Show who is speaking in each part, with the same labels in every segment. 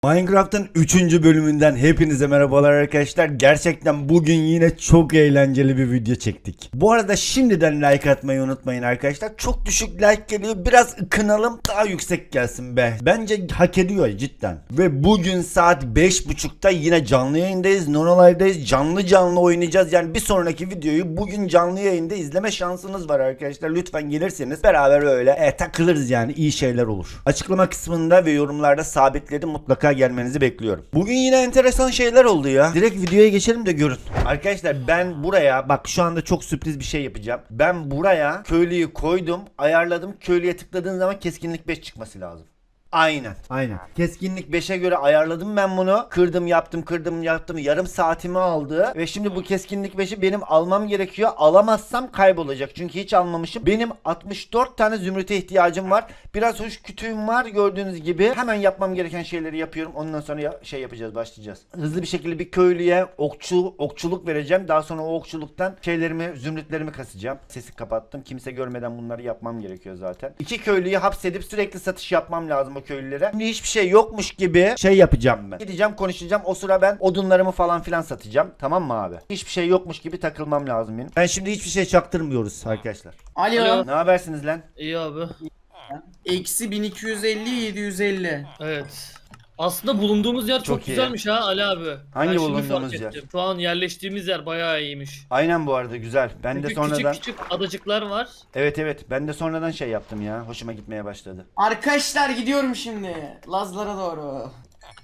Speaker 1: Minecraft'ın 3. bölümünden hepinize merhabalar arkadaşlar. Gerçekten bugün yine çok eğlenceli bir video çektik. Bu arada şimdiden like atmayı unutmayın arkadaşlar. Çok düşük like geliyor. Biraz ıkınalım, daha yüksek gelsin be. Bence hak ediyor cidden. Ve bugün saat 5.30'da yine canlı yayındayız. Nonolive'dayız. Canlı oynayacağız. Yani bir sonraki videoyu bugün canlı yayında izleme şansınız var arkadaşlar. Lütfen gelirseniz beraber öyle takılırız yani. İyi şeyler olur. Açıklama kısmında ve yorumlarda sabitledim. Mutlaka gelmenizi bekliyorum. Bugün yine enteresan şeyler oldu ya. Direkt videoya geçelim de görün. Arkadaşlar ben buraya bak şu anda çok sürpriz bir şey yapacağım. Ben buraya köylüyü koydum, ayarladım. Köylüye tıkladığın zaman keskinlik 5 çıkması lazım. Aynen. Keskinlik 5'e göre ayarladım ben bunu. Kırdım yaptım. Yarım saatimi aldı. Ve şimdi bu keskinlik 5'i benim almam gerekiyor. Alamazsam kaybolacak. Çünkü hiç almamışım. Benim 64 tane zümrüte ihtiyacım var. Biraz hoş kütüğüm var gördüğünüz gibi. Hemen yapmam gereken şeyleri yapıyorum. Ondan sonra başlayacağız. Hızlı bir şekilde bir köylüye okçuluk vereceğim. Daha sonra o okçuluktan zümrütlerimi kasacağım. Sesi kapattım. Kimse görmeden bunları yapmam gerekiyor zaten. 2 köylüyü hapsedip sürekli satış yapmam lazım köylülere. Şimdi hiçbir şey yokmuş gibi yapacağım ben. Gideceğim konuşacağım. O sıra ben odunlarımı falan filan satacağım. Tamam mı abi? Hiçbir şey yokmuş gibi takılmam lazım benim. Ben şimdi hiçbir şey çaktırmıyoruz arkadaşlar.
Speaker 2: Alo.
Speaker 1: Ne habersiniz lan?
Speaker 3: İyi abi.
Speaker 2: Eksi 1250 750.
Speaker 3: Evet. Aslında bulunduğumuz yer
Speaker 1: Çok
Speaker 3: çok
Speaker 1: iyi.
Speaker 3: güzelmiş ha Ali abi.
Speaker 1: Hangi
Speaker 3: Ben şimdi
Speaker 1: bulunduğumuz
Speaker 3: fark
Speaker 1: yer?
Speaker 3: ettim. Şu an yerleştiğimiz yer bayağı iyiymiş.
Speaker 1: Aynen bu arada güzel. Ben de
Speaker 3: Çünkü
Speaker 1: sonradan
Speaker 3: küçük adacıklar var.
Speaker 1: Evet ben de sonradan yaptım ya. Hoşuma gitmeye başladı.
Speaker 2: Arkadaşlar gidiyorum şimdi. Lazlara doğru.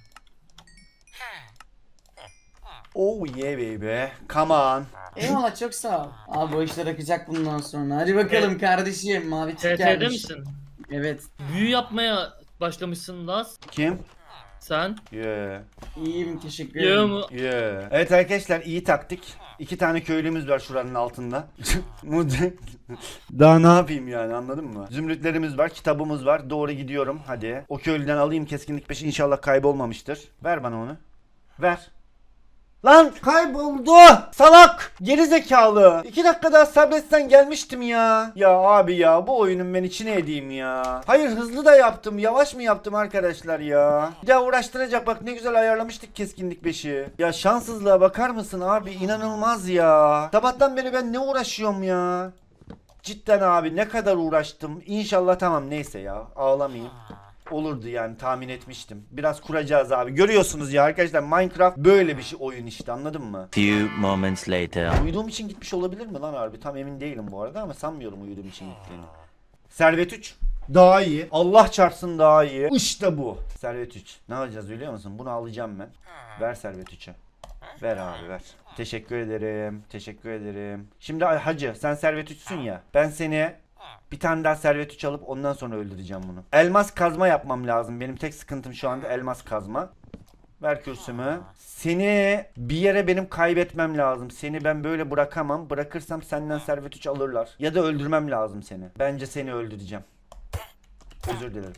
Speaker 1: Oh yeah baby. Come on.
Speaker 2: Eyvallah çok sağ ol. Abi bu işler akacak bundan sonra. Hadi bakalım kardeşim. Mavi tik
Speaker 3: TT'de
Speaker 2: gelmiş.
Speaker 3: misin?
Speaker 2: Evet.
Speaker 3: Büyü yapmaya başlamışsın Laz.
Speaker 1: Kim?
Speaker 3: Sen.
Speaker 1: Yeah.
Speaker 2: İyiyim teşekkür
Speaker 3: Yiyor
Speaker 2: ederim.
Speaker 3: mu?
Speaker 1: Yeah. Evet arkadaşlar iyi taktik. 2 tane köylümüz var şuranın altında. Daha ne yapayım yani anladın mı? Zümrütlerimiz var, kitabımız var. Doğru gidiyorum hadi. O köylüden alayım keskinlik 5 inşallah kaybolmamıştır. Ver bana onu. Ver. Lan kayboldu. Salak. Geri zekalı. 2 dakika daha sabretsen gelmiştim ya. Ya abi ya bu oyunun ben içine edeyim ya. Hayır hızlı da yaptım. Yavaş mı yaptım arkadaşlar ya? Bir daha uğraştıracak bak ne güzel ayarlamıştık keskinlik 5'i. Ya şanssızlığa bakar mısın abi? İnanılmaz ya. Sabahtan beri ben ne uğraşıyorum ya? Cidden abi ne kadar uğraştım. İnşallah tamam neyse ya. Ağlamayayım. Olurdu yani tahmin etmiştim. Biraz kuracağız abi. Görüyorsunuz ya arkadaşlar Minecraft böyle bir şey oyun işte anladın mı?
Speaker 4: Few moments later.
Speaker 1: Uyuduğum için gitmiş olabilir mi lan harbi? Tam emin değilim bu arada ama sanmıyorum uyuduğum için gittiğini. Servet 3. Daha iyi. Allah çarpsın daha iyi. İşte bu. Servet 3. Ne alacağız biliyor musun? Bunu alacağım ben. Ver Servet 3'e. Ver abi ver. Teşekkür ederim. Şimdi hacı sen Servet 3'sün ya. Ben seni bir tane daha Servet 3 alıp ondan sonra öldüreceğim bunu. Elmas kazma yapmam lazım. Benim tek sıkıntım şu anda elmas kazma. Ver kürsümü. Seni bir yere benim kaybetmem lazım. Seni ben böyle bırakamam. Bırakırsam senden Servet 3 alırlar. Ya da öldürmem lazım seni. Bence seni öldüreceğim. Özür dilerim.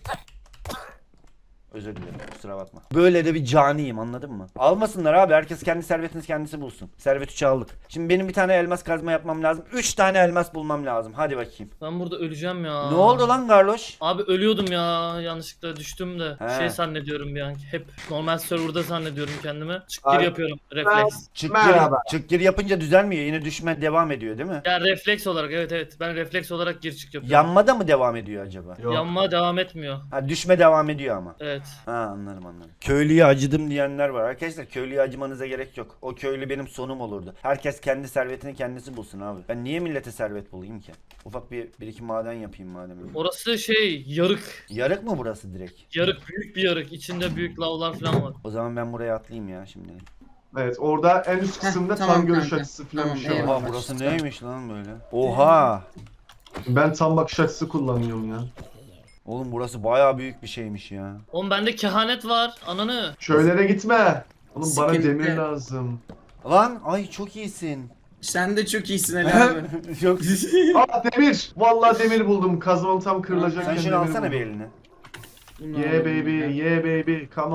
Speaker 1: Kusura bakma. Böyle de bir caniyim anladın mı? Almasınlar abi herkes kendi servetini kendisi bulsun. Servet 3'ü aldık. Şimdi benim bir tane elmas kazma yapmam lazım. 3 tane elmas bulmam lazım. Hadi bakayım.
Speaker 3: Ben burada öleceğim ya.
Speaker 1: Ne oldu lan Garloş?
Speaker 3: Abi ölüyordum ya. Yanlışlıkla düştüm de.
Speaker 1: He.
Speaker 3: Şey zannediyorum bir an. Hep normal serverda zannediyorum kendimi. Çık
Speaker 5: Abi,
Speaker 3: gir yapıyorum. Refleks.
Speaker 5: Merhaba.
Speaker 1: Çık gir yapınca düzelmiyor. Yine düşme devam ediyor değil mi?
Speaker 3: Ya refleks olarak evet. Ben refleks olarak gir çık yapıyorum.
Speaker 1: Yanmada mı devam ediyor acaba?
Speaker 5: Yok.
Speaker 3: Yanma devam etmiyor.
Speaker 1: Ha düşme devam ediyor ama.
Speaker 3: Evet.
Speaker 1: Ha anladım. Köylüye acıdım diyenler var. Arkadaşlar köylüye acımanıza gerek yok. O köylü benim sonum olurdu. Herkes kendi servetini kendisi bulsun abi. Ben niye millete servet bulayım ki? Ufak bir iki maden yapayım madem.
Speaker 3: Orası yarık.
Speaker 1: Yarık mı burası direkt?
Speaker 3: Yarık büyük bir yarık. İçinde büyük lavlar falan var.
Speaker 1: O zaman ben buraya atlayayım ya şimdi.
Speaker 5: Evet orada en üst kısımda
Speaker 2: tamam
Speaker 5: tam görüş
Speaker 2: kanka.
Speaker 5: açısı falan
Speaker 2: Tamam,
Speaker 5: bir şey var.
Speaker 2: eyvallah.
Speaker 1: Oha burası neymiş lan böyle? Oha!
Speaker 5: Ben tam bakış açısı kullanıyorum ya.
Speaker 1: Oğlum burası bayağı büyük bir şeymiş ya.
Speaker 3: Oğlum bende kehanet var. Ananı.
Speaker 5: Şöylere gitme. Oğlum bana
Speaker 2: Sıkıntı.
Speaker 5: demir lazım.
Speaker 1: Lan ay çok iyisin.
Speaker 2: Sen de çok iyisin Ali abi.
Speaker 1: Yok.
Speaker 5: Aa demir. Vallahi demir buldum. Kazmam tam kırılacakken
Speaker 1: Sen şunu
Speaker 5: demir
Speaker 1: alsana bir
Speaker 5: buldum.
Speaker 1: eline.
Speaker 5: Yeah baby, yeah baby, come on.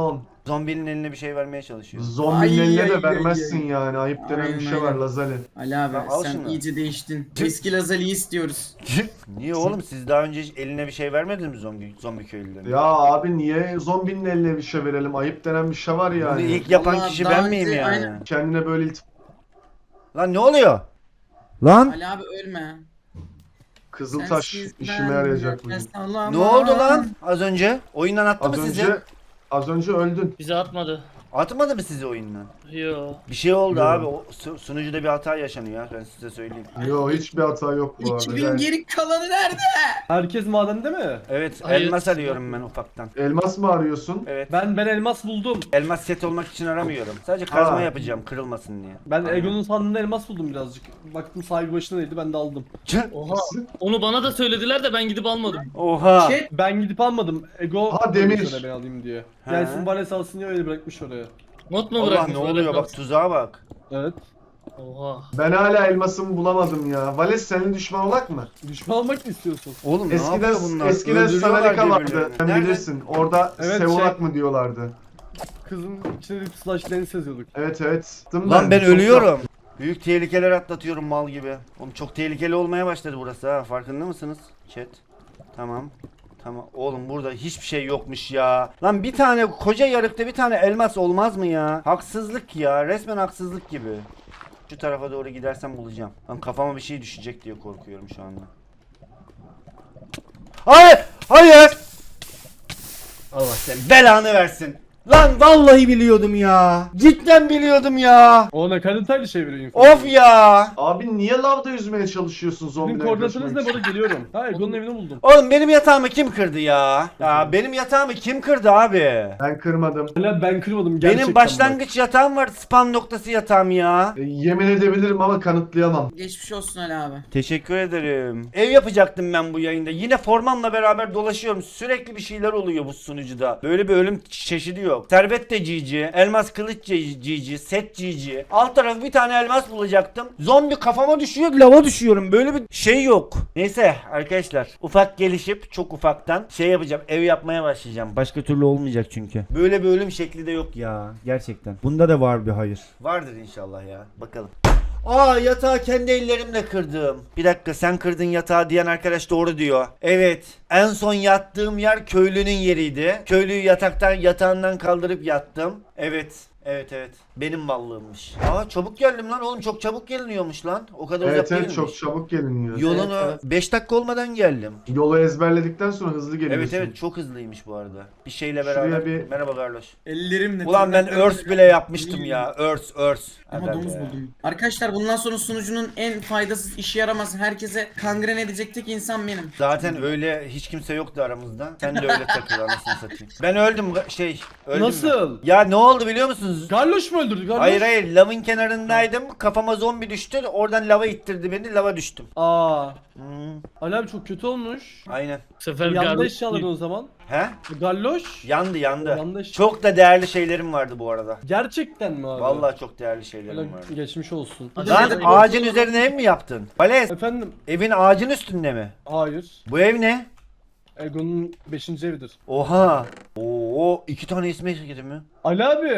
Speaker 1: Zombinin eline bir şey vermeye çalışıyor.
Speaker 5: Zombinin
Speaker 2: Ay,
Speaker 5: eline
Speaker 2: ay,
Speaker 5: de
Speaker 2: ay,
Speaker 5: vermezsin
Speaker 2: ay.
Speaker 5: yani. Ayıp denen bir
Speaker 2: Aynen,
Speaker 5: şey var
Speaker 2: aynen.
Speaker 5: Lazali.
Speaker 2: Ali abi
Speaker 1: Lan al
Speaker 2: sen
Speaker 1: şunu.
Speaker 2: iyice değiştin. Eski Lazali'yi istiyoruz.
Speaker 1: Niye oğlum siz daha önce hiç eline bir şey vermediniz mi zombi köylülerine?
Speaker 5: Ya abi niye zombinin eline bir şey verelim? Ayıp denen bir şey var
Speaker 1: Bunu
Speaker 5: yani.
Speaker 1: ilk yapan
Speaker 2: Vallahi
Speaker 1: kişi
Speaker 2: daha
Speaker 1: ben miyim
Speaker 2: önce
Speaker 1: yani?
Speaker 2: aynen.
Speaker 5: Kendine böyle
Speaker 1: Lan ne oluyor? Lan
Speaker 2: Ali abi ölme.
Speaker 5: Kızıltaş
Speaker 2: Sensiz
Speaker 5: işime
Speaker 2: ben
Speaker 5: yarayacak bugün.
Speaker 2: nefes alamam.
Speaker 1: ne oldu lan az önce? Oyundan attı
Speaker 5: Az
Speaker 1: mı sizi?
Speaker 5: önce az önce öldün.
Speaker 3: Bizi atmadı.
Speaker 1: Atmadı mı sizi oyundan?
Speaker 3: Yo.
Speaker 1: Bir şey oldu
Speaker 5: Yo.
Speaker 1: abi. O sunucuda bir hata yaşanıyor ya. Ben size söyleyeyim.
Speaker 5: Yo hiçbir hata yok bu arada.
Speaker 2: 2000
Speaker 5: Yani
Speaker 2: geri kalanı nerede?
Speaker 6: Herkes madende mi?
Speaker 1: Evet,
Speaker 3: Hayır.
Speaker 1: elmas arıyorum ben ufaktan.
Speaker 5: elmas mı arıyorsun?
Speaker 1: Evet.
Speaker 6: Ben elmas buldum.
Speaker 1: Elmas set olmak için aramıyorum. Sadece kazma
Speaker 5: Ha.
Speaker 1: yapacağım kırılmasın diye.
Speaker 6: Ben
Speaker 1: Aynen.
Speaker 6: Egon'un sandığında elmas buldum birazcık. Baktım sahibi başına neydi ben de aldım.
Speaker 3: Oha. Onu bana da söylediler de ben gidip almadım.
Speaker 1: Oha.
Speaker 2: Chat
Speaker 6: Ben gidip almadım. Ego
Speaker 5: Ha, demir.
Speaker 6: koymuş oraya ben alayım diye.
Speaker 1: He.
Speaker 6: Gelsin Vales alsın diye öyle bırakmış oraya.
Speaker 3: Not mu
Speaker 1: Allah
Speaker 3: bırakmış?
Speaker 1: ne oluyor bak tuzağa bak.
Speaker 6: Evet.
Speaker 3: Oha.
Speaker 5: Ben hala elmasımı bulamadım ya. Vales senin düşman olak mı?
Speaker 6: Düşman olmak mı istiyorsun?
Speaker 1: Oğlum ne
Speaker 5: Eskiden
Speaker 1: yapıyor bunlar?
Speaker 5: eskiden
Speaker 1: Öldürüyorlar
Speaker 5: Sanalika vardı.
Speaker 1: birbirlerini.
Speaker 5: Sen
Speaker 1: Nerede?
Speaker 5: bilirsin. Orada
Speaker 6: Evet,
Speaker 5: Sevolak
Speaker 6: şey-
Speaker 5: mı diyorlardı.
Speaker 6: Kızın içine bir slash deniz yazıyorduk.
Speaker 5: Evet evet. Dım
Speaker 1: Lan ben
Speaker 5: çok
Speaker 1: ölüyorum. Büyük tehlikeler atlatıyorum mal gibi. Oğlum çok tehlikeli olmaya başladı burası ha. Farkında mısınız? Chat. Tamam. Tamam. Oğlum burada hiçbir şey yokmuş ya. Lan bir tane koca yarıkta bir tane elmas olmaz mı ya? Haksızlık ya. Resmen haksızlık gibi. Şu tarafa doğru gidersem bulacağım. Lan kafama bir şey düşecek diye korkuyorum şu anda. Hayır! Hayır! Allah sen belanı versin. Lan vallahi biliyordum ya. Cidden biliyordum ya.
Speaker 6: O ne kadar detaylı şey veriyor info.
Speaker 1: Of ya.
Speaker 5: Abi niye lavda yüzmeye çalışıyorsun
Speaker 6: Sizin
Speaker 5: zombiler
Speaker 6: koordinatınız
Speaker 5: kaçmak
Speaker 6: ne
Speaker 5: için?
Speaker 6: burada geliyorum. Ha Egon'un evini buldum.
Speaker 1: Oğlum benim yatağımı kim kırdı ya? Ya benim yatağımı kim kırdı abi?
Speaker 5: Ben kırmadım.
Speaker 6: Hala ben kırmadım gerçekten
Speaker 1: Benim başlangıç yatağım var. Spam noktası yatağım ya.
Speaker 5: Yemin edebilirim ama kanıtlayamam.
Speaker 2: geçmiş olsun Ali abi.
Speaker 1: Teşekkür ederim. Ev yapacaktım ben bu yayında. Yine formamla beraber dolaşıyorum. Sürekli bir şeyler oluyor bu sunucuda. Böyle bir ölüm çeşidi yok. Servet de GG, elmas kılıç GG, set GG. Alt tarafı bir tane elmas bulacaktım. Zombi kafama düşüyor, lava düşüyorum. Böyle bir şey yok. Neyse arkadaşlar, ufak gelişip çok ufaktan şey yapacağım. Ev yapmaya başlayacağım. Başka türlü olmayacak çünkü. Böyle bir ölüm şekli de yok ya. Gerçekten. Bunda da var bir hayır. Vardır inşallah ya. Bakalım. Aa yatağı kendi ellerimle kırdım. Bir dakika sen kırdın yatağı diyen arkadaş doğru diyor. Evet. En son yattığım yer köylünün yeriydi. Köylüyü yatağından kaldırıp yattım. Evet. Evet. Benim mallığımmış. Aa çabuk geldim lan oğlum çok çabuk geliniyormuş lan. O kadar
Speaker 5: Evet
Speaker 1: uzak
Speaker 5: evet
Speaker 1: değilmiş.
Speaker 5: çok çabuk geliniyor.
Speaker 1: Yolunu
Speaker 2: Evet,
Speaker 1: 5 dakika olmadan geldim.
Speaker 5: Yolu ezberledikten sonra hızlı geliyorsun.
Speaker 1: Evet çok hızlıymış bu arada. Bir şeyle
Speaker 5: Şuraya
Speaker 1: beraber.
Speaker 5: bir-
Speaker 1: Merhaba Carlos.
Speaker 2: Ellerimle.
Speaker 1: Ulan ben örs bile yapmıştım ya. Örs.
Speaker 2: Ama
Speaker 1: Aga
Speaker 2: domuz
Speaker 1: be.
Speaker 2: buldum. Arkadaşlar bundan sonra sunucunun en faydasız işe yaramaz herkese kangren edecek tek insan benim.
Speaker 1: Zaten öyle hiç kimse yoktu aramızda. Sen de öyle takıl anasını satayım. Ben öldüm öldüm.
Speaker 6: Nasıl?
Speaker 1: ben. Ya ne oldu biliyor musunuz?
Speaker 6: Garloş mu öldürdü? Garloş?
Speaker 1: Hayır lavın kenarındaydım. Kafama zombi düştü. Oradan lava ittirdi beni. Lava düştüm.
Speaker 6: Aa.
Speaker 1: Hmm,
Speaker 6: Ali abi çok kötü olmuş.
Speaker 1: aynen.
Speaker 3: Bu sefer
Speaker 6: Yandı
Speaker 3: garip-
Speaker 6: eşyaların o zaman.
Speaker 1: He?
Speaker 6: Garloş.
Speaker 1: Yandı.
Speaker 6: Yandı eşya.
Speaker 1: Çok da değerli şeylerim vardı bu arada.
Speaker 6: Gerçekten mi abi?
Speaker 1: Vallahi çok değerli şeylerim
Speaker 6: Öyle
Speaker 1: vardı.
Speaker 6: geçmiş olsun.
Speaker 3: Hadi
Speaker 1: Lan
Speaker 3: bakalım.
Speaker 1: ağacın üzerine ev mi yaptın? Vales
Speaker 6: Efendim?
Speaker 1: evin ağacın üstünde mi?
Speaker 6: Hayır.
Speaker 1: Bu ev ne?
Speaker 6: Egon'un 5. evidir.
Speaker 1: Oha. Oo 2 tane ismi girdi mi?
Speaker 6: Ali abi.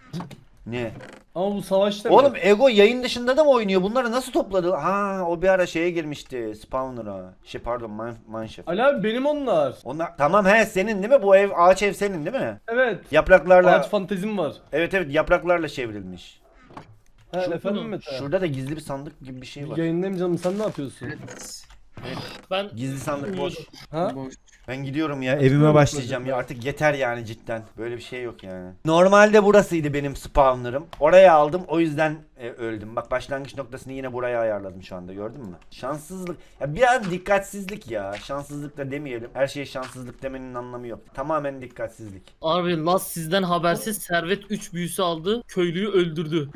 Speaker 1: Ne?
Speaker 6: Ama bu savaşta
Speaker 1: Oğlum Ego yayın dışında da mı oynuyor? Bunları nasıl topladı? Ha o bir ara şeye girmişti. Spawner'a. Pardon Mineshaft.
Speaker 6: Ali abi benim onlar.
Speaker 1: Onlar tamam senin değil mi? Bu ev ağaç ev senin değil mi?
Speaker 6: Evet.
Speaker 1: Yapraklarla.
Speaker 6: Ağaç fantezim var.
Speaker 1: Evet yapraklarla çevrilmiş.
Speaker 6: Ha,
Speaker 3: Şu-
Speaker 6: efendim Mete.
Speaker 1: Şurada da gizli bir sandık gibi bir şey var.
Speaker 6: Yayındayım canım sen ne yapıyorsun?
Speaker 3: Ben
Speaker 1: Gizli sandık boş.
Speaker 6: Ha?
Speaker 2: Boş.
Speaker 1: Ben gidiyorum ya evime başlayacağım ya artık yeter yani cidden. Böyle bir şey yok yani. Normalde burasıydı benim spawner'ım. Oraya aldım o yüzden öldüm. Bak başlangıç noktasını yine buraya ayarladım şu anda gördün mü? Şanssızlık. Ya biraz dikkatsizlik ya. Şanssızlık da demeyelim. Her şeye şanssızlık demenin anlamı yok. Tamamen dikkatsizlik.
Speaker 3: abi Laz sizden habersiz Servet 3 büyüsü aldı. Köylüyü öldürdü.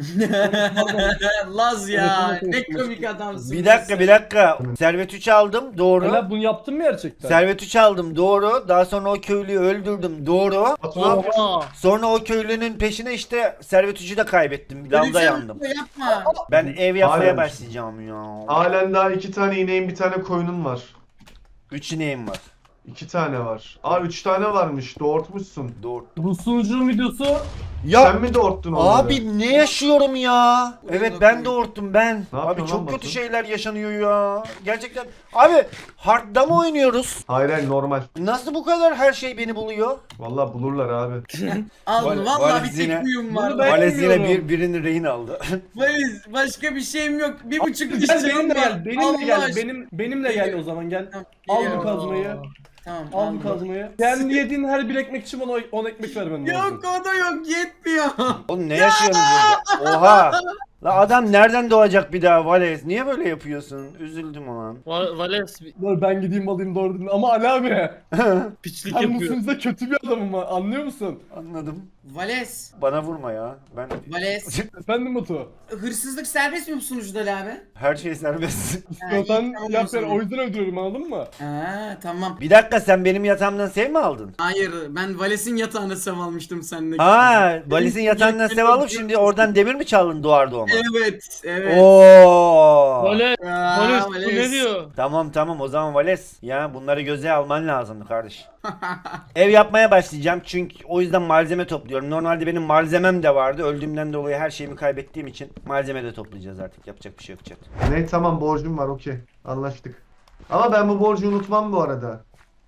Speaker 2: Laz ya.
Speaker 6: Evet,
Speaker 2: Ne komik adamsın.
Speaker 1: Bir dakika. Servet 3 aldım doğru.
Speaker 6: Ali abi bunu yaptın mı gerçekten?
Speaker 1: Servet 3 aldım doğru. Daha sonra o köylüyü öldürdüm doğru.
Speaker 3: Oha.
Speaker 1: Sonra o köylünün peşine işte Servet 3'ü de kaybettim. Lavda yandım.
Speaker 2: Yapma.
Speaker 1: Ben ev yapmaya
Speaker 5: Halen.
Speaker 1: başlayacağım ya.
Speaker 5: Halen daha 2 tane ineğin bir tane koyunun var.
Speaker 1: 3 ineğim var.
Speaker 5: 2 tane var. Aa 3 tane varmış. Doğurtmuşsun.
Speaker 1: Doğru.
Speaker 6: Bu sunucunun videosu.
Speaker 1: Ya
Speaker 5: Sen mi doğurttun onları?
Speaker 1: abi ne yaşıyorum ya? Evet ben doğurttum ben.
Speaker 5: Ne
Speaker 1: Abi
Speaker 5: yapıyorsun lan
Speaker 1: çok kötü
Speaker 5: Batu?
Speaker 1: şeyler yaşanıyor ya. Gerçekten. Abi hardda mı oynuyoruz?
Speaker 5: Hayır hayır normal.
Speaker 1: Nasıl bu kadar her şey beni buluyor?
Speaker 5: Vallahi bulurlar abi.
Speaker 2: Al
Speaker 1: Val-
Speaker 2: vallahi bir
Speaker 1: valizine-
Speaker 2: tek huyum var.
Speaker 6: Bunu ben-
Speaker 1: Vales yine
Speaker 6: bilmiyorum.
Speaker 1: birini rehin aldı.
Speaker 2: Valiz başka bir şeyim yok. 1,5 diş
Speaker 6: Gel
Speaker 2: canım
Speaker 6: benimle
Speaker 2: var.
Speaker 6: gel. Benimle
Speaker 2: Allah
Speaker 6: gel.
Speaker 2: aşkına.
Speaker 6: Benimle gel o zaman gel.
Speaker 2: Tamam,
Speaker 6: Al bu
Speaker 2: geliyorum.
Speaker 6: kazmayı.
Speaker 2: Tamam.
Speaker 6: Al bu
Speaker 2: aldım.
Speaker 6: kazmayı. Kendi yediğin her bir ekmek için bana 10 ekmek vermen lazım.
Speaker 2: Yok o da yok yetmiyor.
Speaker 1: Oğlum ne yaşıyorsunuz burada? Oha! La adam nereden doğacak bir daha Vales? Niye böyle yapıyorsun? Üzüldüm ulan.
Speaker 3: Vales
Speaker 6: Dur ben gideyim alayım doğru dedin. Ama Ali abi.
Speaker 3: piçlik
Speaker 6: Sen bu
Speaker 3: yapıyor.
Speaker 6: sunucuda kötü bir adamım ha. Anlıyor musun?
Speaker 1: Anladım.
Speaker 2: Vales.
Speaker 1: Bana vurma ya. Ben
Speaker 2: Vales.
Speaker 6: Efendim Batu.
Speaker 2: Hırsızlık serbest mi bu sunucuda Ali abi?
Speaker 1: her şey serbest.
Speaker 6: İstiyorsan
Speaker 2: iyi, tamam o
Speaker 6: yap yani
Speaker 2: zaman.
Speaker 6: o yüzden öldürüyorum anladın mı?
Speaker 2: Ha tamam.
Speaker 1: Bir dakika sen benim yatağımdan sev mi aldın?
Speaker 2: Hayır ben Vales'in yatağına sev almıştım seninle.
Speaker 1: Ha, Valis'in yatağından sev alıp şimdi oradan demir mi çaldın doğar doğma?
Speaker 2: Evet evet.
Speaker 1: Oo.
Speaker 3: Vales,
Speaker 2: Aa,
Speaker 3: Vales bu
Speaker 2: Vales.
Speaker 3: ne diyor?
Speaker 1: Tamam o zaman Vales. Ya bunları göze alman lazımdı kardeş. Ev yapmaya başlayacağım çünkü o yüzden malzeme topluyorum. Normalde benim malzemem de vardı. Öldüğümden dolayı her şeyimi kaybettiğim için malzeme de toplayacağız artık. Yapacak bir şey yok chat.
Speaker 5: Ne tamam borcum var okey. Anlaştık. Ama ben bu borcu unutmam bu arada.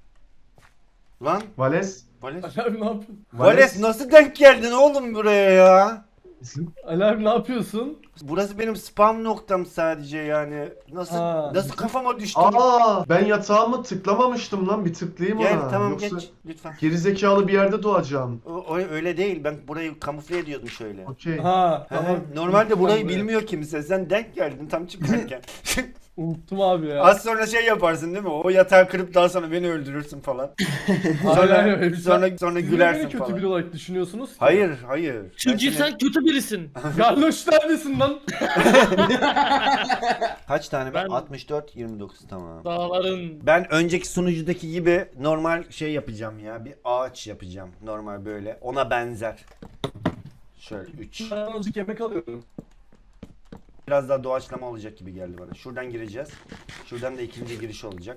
Speaker 1: Lan
Speaker 5: Vales.
Speaker 1: Vales.
Speaker 6: Ali abi ne yapıyorsun?
Speaker 1: Vales nasıl denk geldin oğlum buraya ya?
Speaker 6: Ali abi ne yapıyorsun?
Speaker 1: Burası benim spam noktam sadece yani. Nasıl
Speaker 6: Ha.
Speaker 1: nasıl kafama düştü?
Speaker 5: Aa ben yatağımı tıklamamıştım lan bir tıklayayım
Speaker 1: Gel
Speaker 5: ona.
Speaker 1: tamam
Speaker 5: Yoksa
Speaker 1: geç lütfen.
Speaker 5: gerizekalı bir yerde doğacağım.
Speaker 1: Öyle değil. Ben burayı kamufle ediyordum şöyle.
Speaker 5: Okey.
Speaker 6: Ha tamam.
Speaker 1: Normalde burayı
Speaker 6: Tamam,
Speaker 1: bilmiyor kimse. Sen denk geldin tam çıkarken.
Speaker 6: Unuttum abi ya.
Speaker 1: Az sonra şey yaparsın değil mi? O yatağı kırıp daha sonra beni öldürürsün falan.
Speaker 6: Aynen öyle.
Speaker 1: sonra
Speaker 6: Siz niye
Speaker 1: gülersin
Speaker 6: beni kötü
Speaker 1: falan.
Speaker 6: biri olarak düşünüyorsunuz ki?
Speaker 1: Hayır.
Speaker 3: Çünkü
Speaker 1: Ben seni-
Speaker 3: sen kötü birisin.
Speaker 6: Garloş neredesin lan?
Speaker 1: Kaç tane ben?
Speaker 3: Ben-
Speaker 1: 64 29 tamam.
Speaker 3: Dağların
Speaker 1: Ben önceki sunucudaki gibi normal şey yapacağım ya. Bir ağaç yapacağım. Normal böyle. Ona benzer. Şöyle 3.
Speaker 6: Ben azıcık yemek alıyorum.
Speaker 1: Biraz daha doğaçlama olacak gibi geldi bana. Şuradan gireceğiz. Şuradan da ikinci giriş olacak.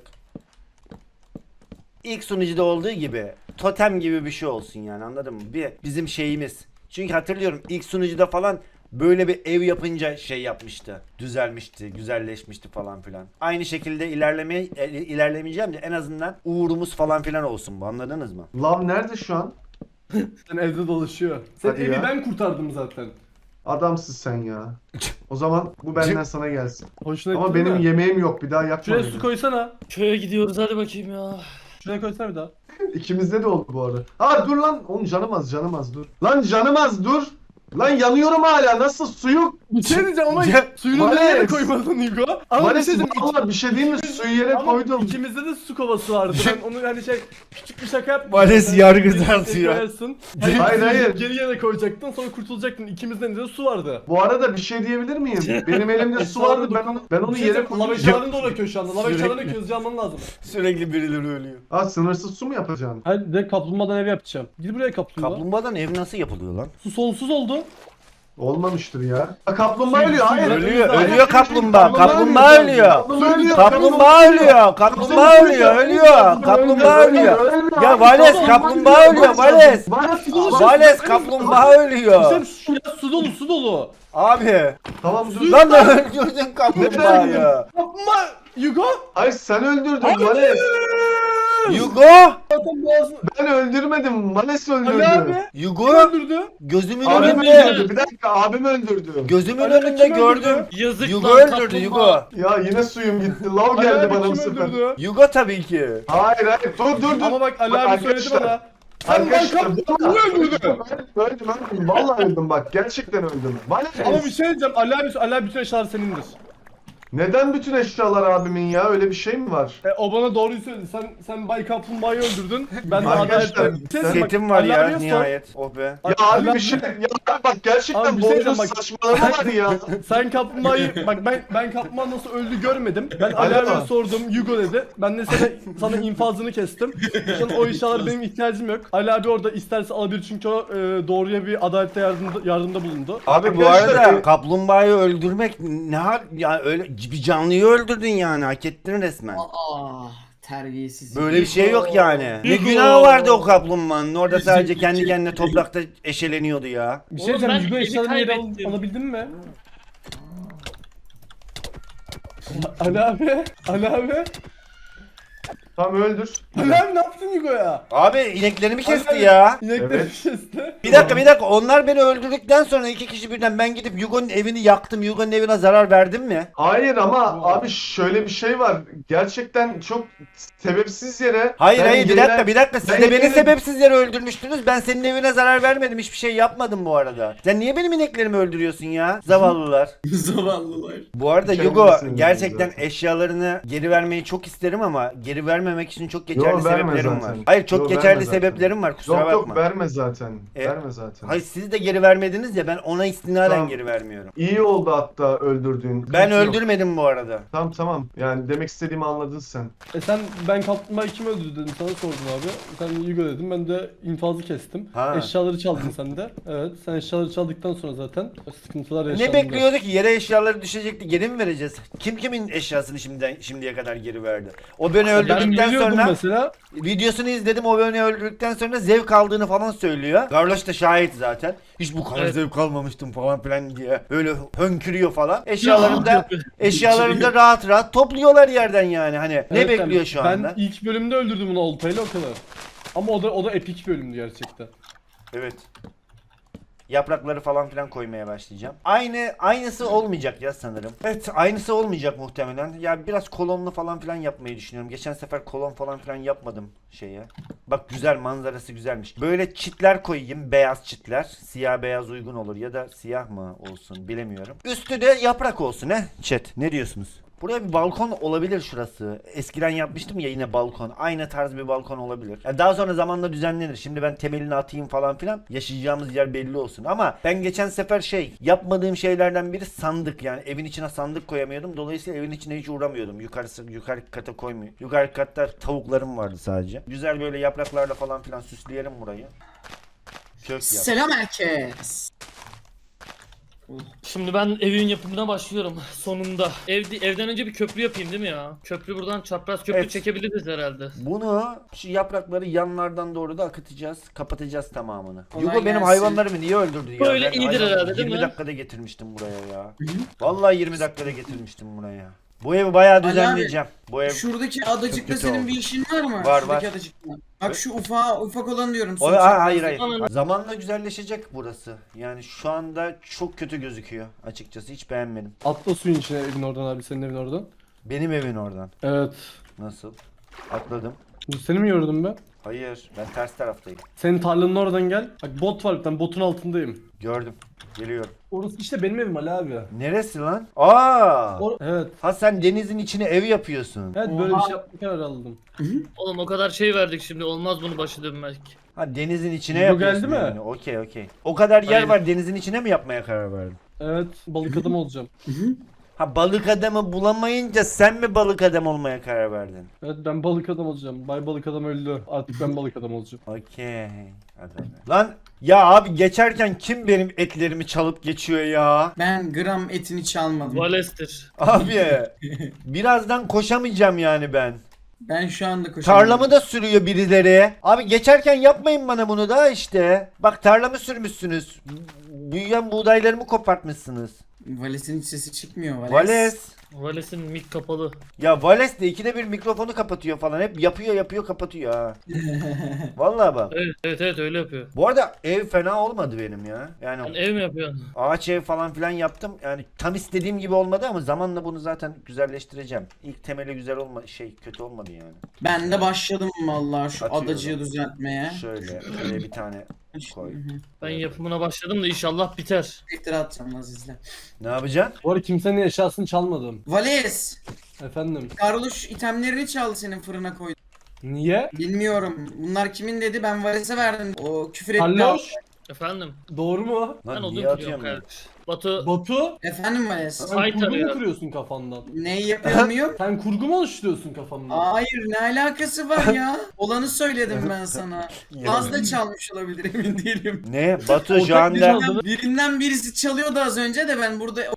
Speaker 1: İlk sunucuda olduğu gibi totem gibi bir şey olsun yani anladın mı? Bizim şeyimiz. Çünkü hatırlıyorum ilk sunucuda falan böyle bir ev yapınca şey yapmıştı. Düzelmişti, güzelleşmişti falan filan. Aynı şekilde ilerlemeyeceğim de en azından uğurumuz falan filan olsun bu anladınız mı?
Speaker 5: Lav nerede şu an?
Speaker 6: Sen evde dolaşıyor. Sen
Speaker 5: Hadi
Speaker 6: evi
Speaker 5: ya.
Speaker 6: ben kurtardım zaten.
Speaker 5: Adamsın sen ya. O zaman bu benden sana gelsin.
Speaker 6: Hoşuna
Speaker 5: Ama
Speaker 6: gitti değil
Speaker 5: benim
Speaker 6: mi?
Speaker 5: yemeğim yok bir daha yakma
Speaker 6: Şuraya
Speaker 5: beni.
Speaker 6: su koysana.
Speaker 3: köye gidiyoruz hadi bakayım ya.
Speaker 6: Şuraya koysana bir daha.
Speaker 5: İkimizde de oldu bu arada. Aa dur lan. Oğlum canım az dur. Lan canım az dur. Lan yanıyorum hala. Nasıl su yok?
Speaker 6: Bir şey diyeceğim ama
Speaker 5: Ya,
Speaker 6: suyunu
Speaker 5: Vales.
Speaker 6: nereye koymadın Hugo? Ama bir
Speaker 5: Vales
Speaker 6: şey diyeceğim.
Speaker 5: valla bir şey değil mi? Suyu yere
Speaker 6: Ama
Speaker 5: koydum.
Speaker 6: ikimizde de su kovası vardı. Ben onu hani şey küçük bir şaka yaptım.
Speaker 1: Vales
Speaker 6: Sen
Speaker 1: yargı
Speaker 6: geri
Speaker 1: tartıyor.
Speaker 6: koyarsın. Hani
Speaker 5: Hayır, hayır.
Speaker 6: Geri yere koyacaktın sonra kurtulacaktın. İkimizden de su vardı.
Speaker 5: Bu arada bir şey diyebilir miyim? Benim elimde su vardı. Ben onu
Speaker 6: Bir şey
Speaker 5: yere
Speaker 6: diyeceğim, Lava
Speaker 5: koydum.
Speaker 6: eşyalarını da uğraşıyor şu anda. Lava
Speaker 1: Sürekli.
Speaker 6: eşyalarını közce alman lazım.
Speaker 1: Sürekli birileri ölüyor.
Speaker 5: Aa sınırsız su mu yapacaksın?
Speaker 6: Hadi de kaplumbağadan ev yapacağım. Git buraya kaplumbağa.
Speaker 1: Kaplumbağadan ev nasıl yapılıyor lan?
Speaker 6: Su sonsuz oldu.
Speaker 5: Olmamıştır ya. Aa, kaplumbağa ölüyor. Hayır.
Speaker 1: Ölüyor kaplumbağa. Kaplumbağa ölüyor.
Speaker 5: Kaplumbağa
Speaker 1: Kaplumbağa ölüyor. Kaplumbağa ölüyor. Ölüyor. Kaplumbağa ölüyor. Ya Vales kaplumbağa ölüyor Vales. Vales kaplumbağa ölüyor.
Speaker 6: Sen su, ya, su dolu su dolu.
Speaker 1: Abi.
Speaker 5: Tamam dur.
Speaker 1: Lan da öldürdün kaplumbağayı.
Speaker 6: Kaplumbağa. Hugo.
Speaker 5: Hayır sen öldürdün Vales.
Speaker 1: Yugo.
Speaker 6: Zaten boğazını.
Speaker 5: Ben öldürmedim. Vales
Speaker 6: Ali
Speaker 5: öldürdü.
Speaker 6: abi.
Speaker 1: Yugo.
Speaker 6: Öldürdü.
Speaker 1: Gözümün
Speaker 5: Abim
Speaker 1: önünde.
Speaker 5: öldürdü. Bir dakika abim öldürdü.
Speaker 1: Gözümün
Speaker 6: Ali
Speaker 1: önünde
Speaker 6: kim öldürdü?
Speaker 1: gördüm.
Speaker 3: Yazık
Speaker 1: Yugo
Speaker 3: lan
Speaker 1: öldürdü
Speaker 3: kaplumbağa.
Speaker 1: Yugo.
Speaker 5: Ya yine suyum gitti. Lav
Speaker 6: Ali
Speaker 5: geldi
Speaker 6: abi
Speaker 5: bana bu
Speaker 6: kim
Speaker 5: sefer.
Speaker 6: öldürdü?
Speaker 1: Yugo tabii ki.
Speaker 5: Hayır dur.
Speaker 6: Ama bak Ali
Speaker 5: Bak
Speaker 6: abi söyledi
Speaker 5: arkadaşlar,
Speaker 6: bana. Sen
Speaker 5: Arkadaşlar
Speaker 6: kaplumbağa öldürdü.
Speaker 5: öldüm. Vallahi öldüm bak. Gerçekten öldüm. Vales.
Speaker 6: Ama bir şey diyeceğim. Ali abi bütün eşyalar senindir.
Speaker 5: Neden bütün eşyalar abimin ya? Öyle bir şey mi var?
Speaker 6: O bana doğruyu söyledi. Sen Bay Kaplumbağa'yı öldürdün. Ben de
Speaker 5: Arkadaşlar,
Speaker 6: adalet. Bir şey diyeceğim, bak,
Speaker 1: Setim var
Speaker 6: Ali
Speaker 1: ya
Speaker 6: abiye sor.
Speaker 1: nihayet. Oh be.
Speaker 5: Ya
Speaker 6: Ali
Speaker 5: abi
Speaker 6: abi-
Speaker 5: bir şey ya bak gerçekten
Speaker 6: Abi bir
Speaker 5: bu
Speaker 6: şey
Speaker 5: oyunun
Speaker 6: diyeceğim bak.
Speaker 5: saçmalama var ya.
Speaker 6: Sen kaplumbağayı bak ben kaplumbağa nasıl öldü görmedim. Ben
Speaker 5: Ali
Speaker 6: Ali abiye
Speaker 5: abi.
Speaker 6: sordum. Hugo dedi. Ben de sana infazını kestim. Şu an o eşyalara benim ihtiyacım yok. Ali abi orada isterse alabilir çünkü o doğruya bir adalette yardımda bulundu.
Speaker 1: Abi bu
Speaker 5: Arkadaşlar,
Speaker 1: arada kaplumbağayı öldürmek ne hal ya öyle bir canlıyı öldürdün yani hak ettin resmen.
Speaker 2: Aa, Terbiyesiz.
Speaker 1: Böyle bir şey yok yani. Ne
Speaker 3: Yugo.
Speaker 1: günahı vardı o kaplumbağanın. Orada sadece kendi kendine toprakta eşeleniyordu ya.
Speaker 6: Bir şey
Speaker 3: Oğlum
Speaker 6: diyeceğim.
Speaker 3: ben
Speaker 6: Yugo
Speaker 3: evi
Speaker 6: eşyalarını yere
Speaker 3: kaybettim.
Speaker 6: alabildin mi? Ali abi. Ali abi.
Speaker 5: Tamam öldür.
Speaker 6: Ali abi ne yaptın Yugo'ya?
Speaker 1: Abi ineklerimi kesti
Speaker 6: Ali abi,
Speaker 1: ya.
Speaker 6: İnekleri
Speaker 5: Evet.
Speaker 6: kesti.
Speaker 1: Bir dakika onlar beni öldürdükten sonra iki kişi birden ben gidip Yugo'nun evini yaktım. Yugo'nun evine zarar verdim mi?
Speaker 5: Hayır ama
Speaker 6: Wow.
Speaker 5: abi şöyle bir şey var. Gerçekten çok sebepsiz yere.
Speaker 1: Hayır
Speaker 5: Ben
Speaker 1: hayır
Speaker 5: yerine-
Speaker 1: bir dakika siz
Speaker 5: ben
Speaker 1: de beni
Speaker 5: yerine-
Speaker 1: sebepsiz yere öldürmüştünüz. Ben senin evine zarar vermedim. Hiçbir şey yapmadım bu arada. Sen niye benim ineklerimi öldürüyorsun ya? Zavallılar.
Speaker 2: Zavallılar.
Speaker 1: Bu arada
Speaker 5: Kendisi
Speaker 1: Yugo
Speaker 5: sinirli
Speaker 1: gerçekten
Speaker 5: zaten.
Speaker 1: eşyalarını geri vermeyi çok isterim ama geri vermemek için çok geçerli
Speaker 5: Yo, verme
Speaker 1: sebeplerim
Speaker 5: zaten.
Speaker 1: var. Hayır çok
Speaker 5: Yo,
Speaker 1: geçerli
Speaker 5: verme zaten.
Speaker 1: sebeplerim var kusura
Speaker 5: Yok
Speaker 1: bakma.
Speaker 5: yok verme zaten.
Speaker 1: E,
Speaker 5: Verme zaten.
Speaker 1: Hayır siz de geri vermediniz ya ben ona istinaden
Speaker 5: Tamam.
Speaker 1: geri vermiyorum.
Speaker 5: İyi oldu hatta öldürdüğün.
Speaker 1: Ben
Speaker 5: Sıkıntı yok.
Speaker 1: öldürmedim bu arada.
Speaker 5: Tamam. Yani demek istediğimi anladın sen.
Speaker 6: Sen ben kaplumbağayı kim öldürdü dedim sana sordum abi. Sen Yugo dedim ben de infazı kestim.
Speaker 1: Ha.
Speaker 6: Eşyaları çaldın sen de. Evet sen eşyaları çaldıktan sonra zaten sıkıntılar yaşandı.
Speaker 1: Ne bekliyordu ki yere eşyaları düşecekti geri mi vereceğiz? Kim kimin eşyasını şimdiye kadar geri verdi? O beni
Speaker 6: Ben
Speaker 1: öldürdükten
Speaker 6: biliyordum
Speaker 1: sonra
Speaker 6: mesela.
Speaker 1: videosunu izledim o beni öldürdükten sonra zevk aldığını falan söylüyor. Carlos da şahit zaten. Hiç bu kadar
Speaker 3: Evet.
Speaker 1: zevk almamıştım falan filan diye. Böyle hönkürüyor falan. Eşyalarını da rahat rahat topluyorlar yerden yani. Hani ne
Speaker 6: Evet,
Speaker 1: bekliyor şu anda?
Speaker 6: Ben ilk bölümde öldürdüm onu oltayla o kadar. Ama o da epik bölümdü gerçekten.
Speaker 1: Evet. Yaprakları falan filan koymaya başlayacağım. Aynısı olmayacak ya sanırım. Evet, aynısı olmayacak muhtemelen. Ya biraz kolonlu falan filan yapmayı düşünüyorum. Geçen sefer kolon falan filan yapmadım şeye. Bak güzel manzarası güzelmiş. Böyle çitler koyayım, beyaz çitler. Siyah beyaz uygun olur ya da siyah mı olsun bilemiyorum. Üstü de yaprak olsun he chat. Ne diyorsunuz? Buraya bir balkon olabilir şurası. Eskiden yapmıştım ya yine balkon. Aynı tarz bir balkon olabilir. Ya daha sonra zamanla düzenlenir. Şimdi ben temelini atayım falan filan. Yaşayacağımız yer belli olsun. Ama ben geçen sefer yapmadığım şeylerden biri sandık. Yani evin içine sandık koyamıyordum. Dolayısıyla evin içine hiç uğramıyordum. Yukarı kata koymuyorum. Yukarı katta tavuklarım vardı sadece. Güzel böyle yapraklarla falan filan süsleyelim burayı. Kök yap.
Speaker 2: Selam herkes.
Speaker 3: Şimdi ben evin yapımına başlıyorum sonunda. Evden önce bir köprü yapayım değil mi ya? Köprü buradan çapraz köprü
Speaker 1: Evet.
Speaker 3: çekebiliriz herhalde.
Speaker 1: Bunu şu yaprakları yanlardan doğru da akıtacağız. Kapatacağız tamamını.
Speaker 2: Kolay
Speaker 1: Yugo benim
Speaker 2: gelsin.
Speaker 1: hayvanlarımı niye öldürdü ya?
Speaker 3: Böyle
Speaker 1: Ben
Speaker 3: iyidir
Speaker 1: hayvanları
Speaker 3: herhalde, değil
Speaker 1: 20
Speaker 3: mi?
Speaker 1: dakikada getirmiştim buraya ya. Vallahi 20 dakikada getirmiştim buraya. Bu evi bayağı
Speaker 2: Ali
Speaker 1: düzenleyeceğim. Bu ev
Speaker 2: Şuradaki adacıkta
Speaker 1: kötü
Speaker 2: senin
Speaker 1: oldu.
Speaker 2: bir işin var mı?
Speaker 1: Var,
Speaker 2: Şuradaki
Speaker 1: var.
Speaker 2: adacıkta. Bak şu ufak olan diyorum.
Speaker 1: O,
Speaker 2: son çapraz.
Speaker 1: hayır.
Speaker 3: Aman.
Speaker 1: Zamanla güzelleşecek burası. Yani şu anda çok kötü gözüküyor açıkçası. Hiç beğenmedim.
Speaker 6: Atla suyun içine evin oradan abi senin evin oradan.
Speaker 1: Benim evin oradan.
Speaker 6: Evet.
Speaker 1: Nasıl? Atladım.
Speaker 6: Bu seni mi yordum ben?
Speaker 1: Hayır, ben ters taraftayım.
Speaker 6: Senin tarlanın oradan gel. Bak bot var bir tane botun altındayım.
Speaker 1: Gördüm. Geliyorum.
Speaker 6: Orası işte benim evim Ali abi.
Speaker 1: Neresi lan? Aa!
Speaker 6: Evet.
Speaker 1: Ha sen denizin içine ev yapıyorsun.
Speaker 6: Evet böyle bir
Speaker 2: Oha.
Speaker 6: şey yapma kararı aldım.
Speaker 3: Oğlum o kadar şey verdik şimdi olmaz bunu başı dönmek.
Speaker 1: Ha denizin içine
Speaker 6: Yugo
Speaker 1: yapıyorsun
Speaker 6: geldi mi?
Speaker 1: yani. Okey. O kadar yer
Speaker 3: Aynen.
Speaker 1: var denizin içine mi yapmaya karar verdin?
Speaker 6: Evet balık adam olacağım.
Speaker 1: Ha balık adamı bulamayınca sen mi balık adam olmaya karar verdin?
Speaker 6: Evet ben balık adam olacağım. Bay balık adam öldü. Artık ben balık adam olacağım.
Speaker 1: Okey. Hadi. Lan ya abi geçerken kim benim etlerimi çalıp geçiyor ya?
Speaker 2: Ben gram etini çalmadım.
Speaker 3: Valestir.
Speaker 1: Abi birazdan koşamayacağım yani ben.
Speaker 2: Ben şu anda koşuyorum.
Speaker 1: Tarlamı da sürüyor birileri. Abi geçerken yapmayın bana bunu da işte. Bak tarlamı sürmüşsünüz. Büyüyen buğdaylarımı kopartmışsınız.
Speaker 2: Vales'in hiç sesi çıkmıyor.
Speaker 1: Vales.
Speaker 3: Vales'in mik kapalı.
Speaker 1: Ya Vales de ikide bir mikrofonu kapatıyor falan. Hep yapıyor kapatıyor ha. Vallahi bak.
Speaker 3: Evet öyle yapıyor.
Speaker 1: Bu arada ev fena olmadı benim ya.
Speaker 3: Sen
Speaker 1: Yani
Speaker 3: ev mi yapıyorsun?
Speaker 1: ağaç ev falan filan yaptım. Yani tam istediğim gibi olmadı ama zamanla bunu zaten güzelleştireceğim. İlk temeli güzel kötü olmadı yani.
Speaker 2: Ben de başladım vallahi şu
Speaker 1: Atıyorum.
Speaker 2: adacığı düzeltmeye.
Speaker 1: Şöyle bir tane koy.
Speaker 3: Ben yapımına başladım da inşallah biter.
Speaker 2: Tekrar atacağım Aziz'le.
Speaker 1: Ne yapacaksın?
Speaker 6: Bu arada kimsenin eşyasını çalmadım.
Speaker 2: Vales!
Speaker 6: Efendim.
Speaker 2: Carlos itemlerini çaldı senin fırına koydu.
Speaker 6: Niye?
Speaker 2: Bilmiyorum. Bunlar kimin dedi ben Vales'e verdim. O küfür etti.
Speaker 6: Halloş.
Speaker 3: Efendim.
Speaker 6: Doğru mu?
Speaker 3: Ben
Speaker 1: Lan
Speaker 3: odun
Speaker 1: niye
Speaker 3: kırıyorum
Speaker 1: atıyorum ya?
Speaker 3: kardeş. Batu
Speaker 6: Batu.
Speaker 2: Efendim Vales.
Speaker 6: Sen
Speaker 3: Ay
Speaker 6: kurgu mu
Speaker 3: tarıyor.
Speaker 6: kırıyorsun kafandan?
Speaker 2: Neyi yapıyor muyum?
Speaker 6: Sen kurgu mu oluşturuyorsun kafandan?
Speaker 2: Hayır ne alakası var ya? Olanı söyledim ben sana. Az da çalmış olabilir emin değilim.
Speaker 1: Ne? Batu
Speaker 6: Ortak
Speaker 1: şu
Speaker 6: bir
Speaker 1: anda
Speaker 6: çaldı.
Speaker 2: Birinden birisi çalıyordu az önce de ben burada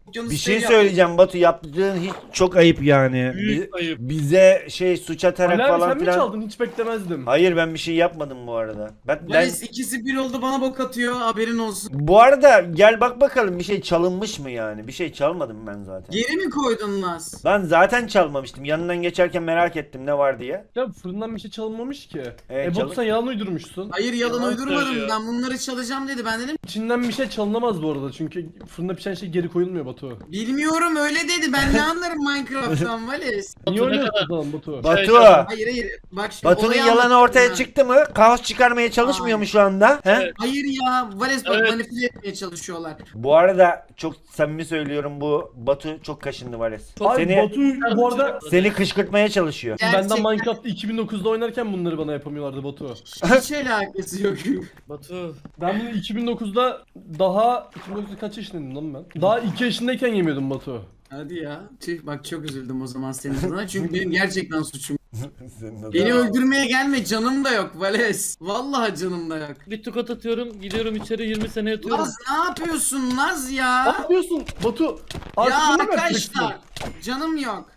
Speaker 2: okyanus
Speaker 1: Bir şey
Speaker 2: dev
Speaker 1: söyleyeceğim Batu, yaptığın hiç çok ayıp yani.
Speaker 3: Büyük ayıp.
Speaker 1: Bize suç atarak
Speaker 6: Ali abi
Speaker 1: falan
Speaker 6: sen mi
Speaker 1: filan.
Speaker 6: çaldın? Hiç beklemezdim.
Speaker 1: Hayır, ben bir şey yapmadım bu arada. Ben
Speaker 2: Vales ikisi bir oldu, bana bok atıyor, haberin olsun.
Speaker 1: bu arada gel bak bakalım, bir şey çalınmış mı yani? Bir şey çalmadım ben zaten.
Speaker 2: Geri mi koydun Naz?
Speaker 1: Ben zaten çalmamıştım. Yanından geçerken merak ettim ne var diye.
Speaker 6: Ya fırından bir şey çalınmamış ki.
Speaker 1: Evet,
Speaker 6: Batu sen yalan uydurmuşsun.
Speaker 2: Hayır, yalan
Speaker 3: Yalan
Speaker 2: uydurmadım,
Speaker 3: söylüyor.
Speaker 2: ben bunları çalacağım dedi, ben dedim
Speaker 6: İçinden bir şey çalınamaz bu arada çünkü fırında pişen şey geri koyulmuyor Batu.
Speaker 2: bilmiyorum öyle dedi, ben ne anlarım Minecraft'tan Vales.
Speaker 6: Niye
Speaker 3: ne
Speaker 6: oynuyorsun
Speaker 3: kadar-
Speaker 6: o zaman Batu?
Speaker 1: Batu.
Speaker 2: Hayır bak şimdi
Speaker 1: Batu'nun
Speaker 2: olayı
Speaker 1: yalanı
Speaker 2: anlatıyorum
Speaker 1: ortaya
Speaker 2: ben.
Speaker 1: çıktı mı? Kaos çıkarmaya çalışmıyor mu şu anda? He?
Speaker 3: Evet.
Speaker 2: Hayır ya Vales bak,
Speaker 3: Evet.
Speaker 2: manipüle etmeye çalışıyorlar.
Speaker 1: Bu arada çok samimi söylüyorum, bu Batu çok kaşındı Vales.
Speaker 6: Abi
Speaker 1: Seni
Speaker 6: Batu bu arada
Speaker 1: seni kışkırtmaya çalışıyor.
Speaker 6: benden
Speaker 2: Gerçekten
Speaker 6: Minecraft'ta 2009'da oynarken bunları bana yapamıyorlardı Batu.
Speaker 2: hiç alakası yok.
Speaker 3: Batu.
Speaker 6: Ben bunu 2009'da daha 2009'da kaç yaşındaydım lan ben? Daha 2 yaşındayken yemiyordum Batu.
Speaker 2: Hadi ya. Tüh, bak çok üzüldüm o zaman senin adına çünkü benim gerçekten suçum.
Speaker 1: Senin adına.
Speaker 2: Beni öldürmeye gelme, canım da yok Vales. Vallahi canım da yok.
Speaker 3: Bir tokat atıyorum, gidiyorum içeri 20 sene yatıyorum.
Speaker 2: Naz ne yapıyorsun Naz
Speaker 6: Ne
Speaker 2: ya?
Speaker 6: yapıyorsun Batu? Artık
Speaker 2: Ya
Speaker 6: bunu mu yapacaksın?
Speaker 2: arkadaşlar canım yok.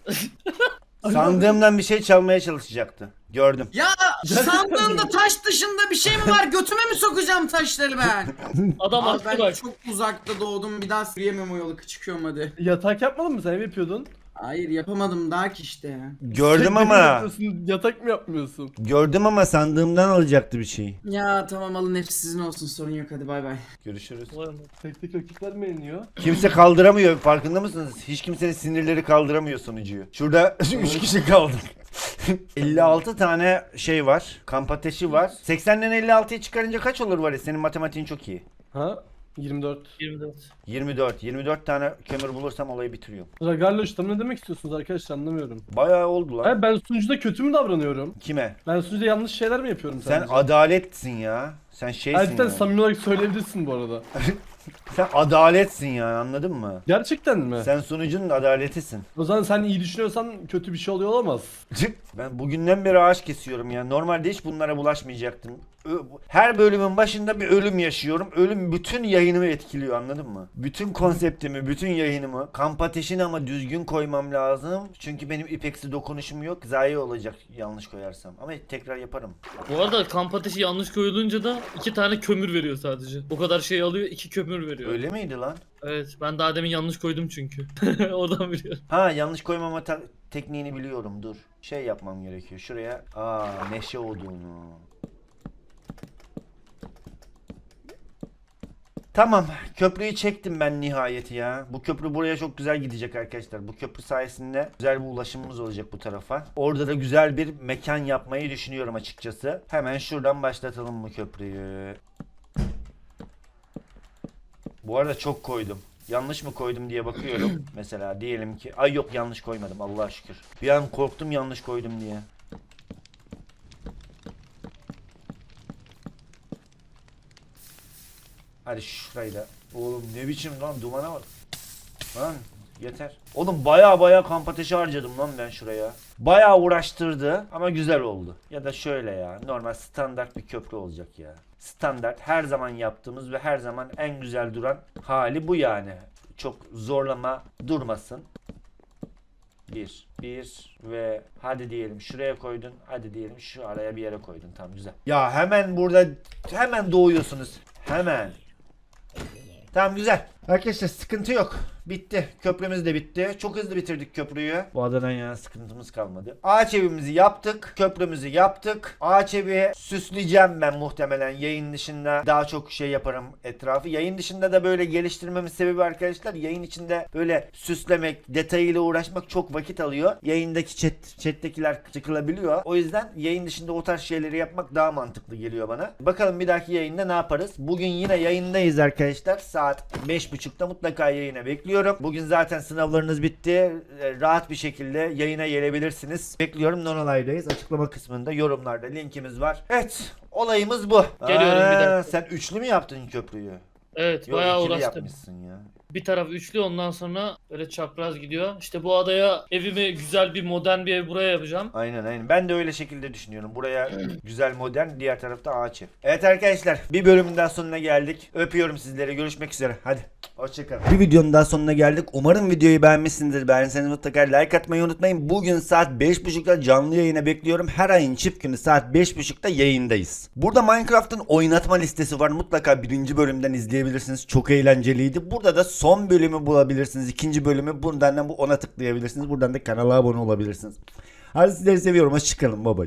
Speaker 1: Sandığımdan bir şey çalmaya çalışacaktı. Gördüm.
Speaker 2: Ya sandığında taş dışında bir şey mi var? Götüme mi sokacağım taşları ben?
Speaker 3: Adam
Speaker 2: Abi
Speaker 3: attı
Speaker 2: ben
Speaker 3: bak.
Speaker 2: çok uzakta doğdum, bir daha yürüyemem o yolu, çıkıyorum hadi.
Speaker 6: Yatak yapmadın mı sen? Ev yapıyordun.
Speaker 2: Hayır yapamadım daha ki işte.
Speaker 1: Gördüm
Speaker 6: Sürekli
Speaker 1: ama.
Speaker 6: yapıyorsun, yatak mı yapmıyorsun?
Speaker 1: Gördüm ama sandığımdan alacaktı bir şey.
Speaker 2: Ya tamam, alın hepsi sizin olsun, sorun yok, hadi bay bay.
Speaker 1: Görüşürüz.
Speaker 3: Vay be.
Speaker 6: Tek tek rakipler mi yeniyor?
Speaker 1: Kimse kaldıramıyor, farkında mısınız? Hiç kimsenin sinirleri kaldıramıyor sonucuyu. Şurada 3 kişi kaldık. 56 tane şey var. Kamp ateşi var. 80'den 56'yı çıkarınca kaç olur var ya? Senin matematiğin çok iyi.
Speaker 6: Ha? 24.
Speaker 3: 24.
Speaker 1: 24. 24 tane kömür bulursam olayı bitiriyorum.
Speaker 6: Ragarloş tam ne demek istiyorsunuz arkadaşlar anlamıyorum.
Speaker 1: Bayağı oldu lan.
Speaker 6: Hayır ben sunucuda kötü mü davranıyorum?
Speaker 1: Kime?
Speaker 6: Ben sunucuda yanlış şeyler mi yapıyorum
Speaker 1: Sen
Speaker 6: sence?
Speaker 1: adaletsin ya. Sen şeysin
Speaker 6: Gerçekten
Speaker 1: yani.
Speaker 6: samimi olarak söyleyebilirsin bu arada.
Speaker 1: Sen adaletsin yani, anladın mı?
Speaker 6: Gerçekten mi?
Speaker 1: Sen sunucunun adaletisin.
Speaker 6: O zaman sen iyi düşünüyorsan kötü bir şey oluyor olamaz.
Speaker 1: Ben bugünden beri ağaç kesiyorum ya. Normalde hiç bunlara bulaşmayacaktım. Her bölümün başında bir ölüm yaşıyorum. Ölüm bütün yayınımı etkiliyor, anladın mı? Bütün konseptimi, bütün yayınımı. Kamp ateşini ama düzgün koymam lazım. Çünkü benim ipeksi dokunuşum yok. Zayi olacak yanlış koyarsam. Ama tekrar yaparım.
Speaker 3: Bu arada kamp ateşi yanlış koyulunca da 2 tane kömür veriyor sadece. O kadar şey alıyor, 2 kömür veriyor.
Speaker 1: Öyle miydi lan?
Speaker 3: Evet, ben daha demin yanlış koydum çünkü. Oradan biliyorum.
Speaker 1: Ha, yanlış koymama tekniğini biliyorum, dur. Şey yapmam gerekiyor. Şuraya meşe odunu. Tamam, köprüyü çektim ben nihayet ya. Bu köprü buraya çok güzel gidecek arkadaşlar. Bu köprü sayesinde güzel bir ulaşımımız olacak bu tarafa. Orada da güzel bir mekan yapmayı düşünüyorum açıkçası. Hemen şuradan başlatalım bu köprüyü. Bu arada çok koydum. Yanlış mı koydum diye bakıyorum. Mesela diyelim ki... Ay yok, yanlış koymadım Allah'a şükür. Bir an korktum yanlış koydum diye. Hadi şurayı da. Oğlum ne biçim lan, dumana bak. Lan yeter. Oğlum baya kamp ateşi harcadım lan ben şuraya. Baya uğraştırdı ama güzel oldu. Ya da şöyle ya, normal standart bir köprü olacak ya. Standart her zaman yaptığımız ve her zaman en güzel duran hali bu yani. Çok zorlama durmasın. Bir ve hadi diyelim şuraya koydun. Hadi diyelim şu araya bir yere koydun. Tamam, güzel. Ya hemen burada hemen doğuyorsunuz. Hemen. Tamam, güzel. Arkadaşlar sıkıntı yok. Bitti. Köprümüz de bitti. Çok hızlı bitirdik köprüyü. Bu adadan yana sıkıntımız kalmadı. Ağaç evimizi yaptık. Köprümüzü yaptık. Ağaç evi süsleyeceğim ben muhtemelen. Yayın dışında daha çok şey yaparım etrafı. Yayın dışında da böyle geliştirmemin sebebi arkadaşlar, yayın içinde böyle süslemek, detayıyla uğraşmak çok vakit alıyor. Yayındaki chat'tekiler sıkılabiliyor. O yüzden yayın dışında o tarz şeyleri yapmak daha mantıklı geliyor bana. Bakalım bir dahaki yayında ne yaparız? Bugün yine yayındayız arkadaşlar. Saat 5.30'da mutlaka yayına bekliyorum. Bugün zaten sınavlarınız bitti. Rahat bir şekilde yayına gelebilirsiniz. Bekliyorum. Nonolay'dayız. Açıklama kısmında yorumlarda linkimiz var. Evet. Olayımız bu.
Speaker 3: Geliyorum bir dakika.
Speaker 1: Sen üçlü mü yaptın köprüyü?
Speaker 3: Evet,
Speaker 1: Yok,
Speaker 3: bayağı
Speaker 1: ikili
Speaker 3: uğraştım.
Speaker 1: yapmışsın ya.
Speaker 3: Bir taraf üçlü, ondan sonra böyle çapraz gidiyor. İşte bu adaya evimi güzel bir modern bir ev buraya yapacağım.
Speaker 1: Aynen. Ben de öyle şekilde düşünüyorum. Buraya güzel modern, diğer tarafta ağaç ev. Evet arkadaşlar, bir bölümün daha sonuna geldik. Öpüyorum sizleri. Görüşmek üzere. Hadi. Hoşçakalın. Bir videonun daha sonuna geldik. Umarım videoyu beğenmişsinizdir. Beğenseniz mutlaka like atmayı unutmayın. Bugün saat 5.30'da canlı yayına bekliyorum. Her ayın çift günü saat 5.30'da yayındayız. Burada Minecraft'ın oynatma listesi var. Mutlaka birinci bölümden izleyebilirsiniz. Çok eğlenceliydi. Burada da son bölümü bulabilirsiniz. İkinci bölümü buradan da ona tıklayabilirsiniz. Buradan da kanala abone olabilirsiniz. Hadi sizleri seviyorum. Hoşçakalın. Bye bye.